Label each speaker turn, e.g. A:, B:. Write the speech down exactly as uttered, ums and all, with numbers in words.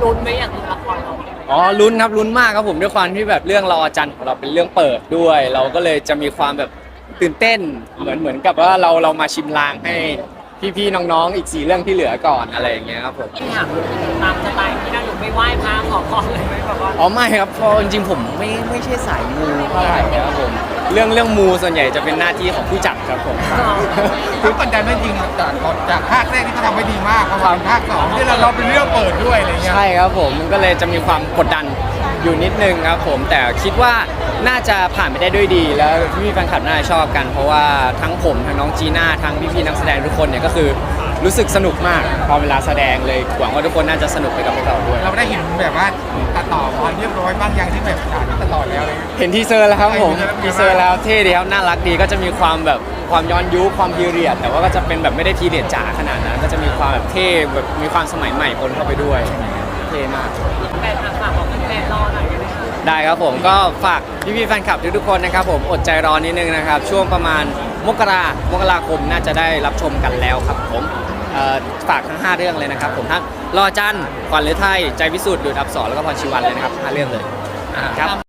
A: ลุ้นไหมอย่างละครเรา
B: อ๋อลุ้นครับลุ้นมากครับผมด้วยความที่แบบเรื่องรอจันทร์ของเราเป็นเรื่องเปิดด้วย เราก็เลยจะมีความแบบตื่นเต้นเหมือนเหมือนกับว่าเราเรามาชิมลางให้พี่ๆน้องๆอีกสี่เรื่องที่เหลือก่อนอะไรอย่างเงี้ยครับผม
A: ที่ถามตามสไตล์ที่เราอยู่ไปไหว้พระขอพรเลยไหมแบบว่า
B: อ๋อไม่ครับเพราะจริงๆผมไม่ไม่ใช่สายมูเท่าไหร่ครับผมเรื่องเรื่องมูส่วนใหญ่จะเป็นหน้าที่ของผู้จัดครับผม
C: คือกดดันไม่จริงจากจากภาคแรกที่เขาทำไว้ดีมากพอมาภาคสองที่เราเราเป็นเรื่องเปิดด้วยอะไรเงี้ย
B: ใช่ครับผมมันก็เลยจะมีความกดดันอยู่นิดนึงครับผมแต่คิดว่าน่าจะผ่านไปได้ด้วยดี แล้วพี่ๆแฟนคลับน่าจะชอบกัน เพราะว่าทั้งผมทั้งน้องจีน่าทั้งพี่ๆนักแสดงทุกคนเนี่ยก็คือรู้สึกสนุกมากพอเวลาแสดงเลยหวังว่าทุกคนน่าจะสนุกไปกับพวกเราด้วย
C: เราได้เห็นแบบว่าตัดต่อพอเรียบร้อยบ้างยังที่แบบตัดต่อแล้วเลย
B: เห็นทีเซอร์แล้วครับผม
C: เห็นที
B: ที
C: เซ
B: เซ
C: อ
B: อ
C: ร์
B: ร์
C: แล้
B: แล้ว วเท่ดีครับน่ารักดีก็จะมีความแบบความย้อนยุคความพีเรียดแต่ว่าก็จะเป็นแบบไม่ได้พีเรียดจ๋าขนาดนั้นก็จะมีความแบบเท่แบบมีความสมัยใหม่ปนเข้าไปด้วยเท่มาก
A: แฟนคลับฝากบอกแฟนๆรอหน่อยได้ไหมคะ
B: ได้ครับผมก็ฝากพี่ๆแฟนคลับทุกๆคนนะครับผมอดใจรอนิดนึงนะครับช่วงประมาณมกรามกราคมน่าจะได้รับชมกันแล้วครับผมเอ่อฝากทั้งห้าเรื่องเลยนะครับผมทั้งรอจันทร์ขวัญฤทัยใจพิสุทธิ์ดูดอับสรแล้วก็พรชีวันเลยนะครับห้าเรื่องเลยครับ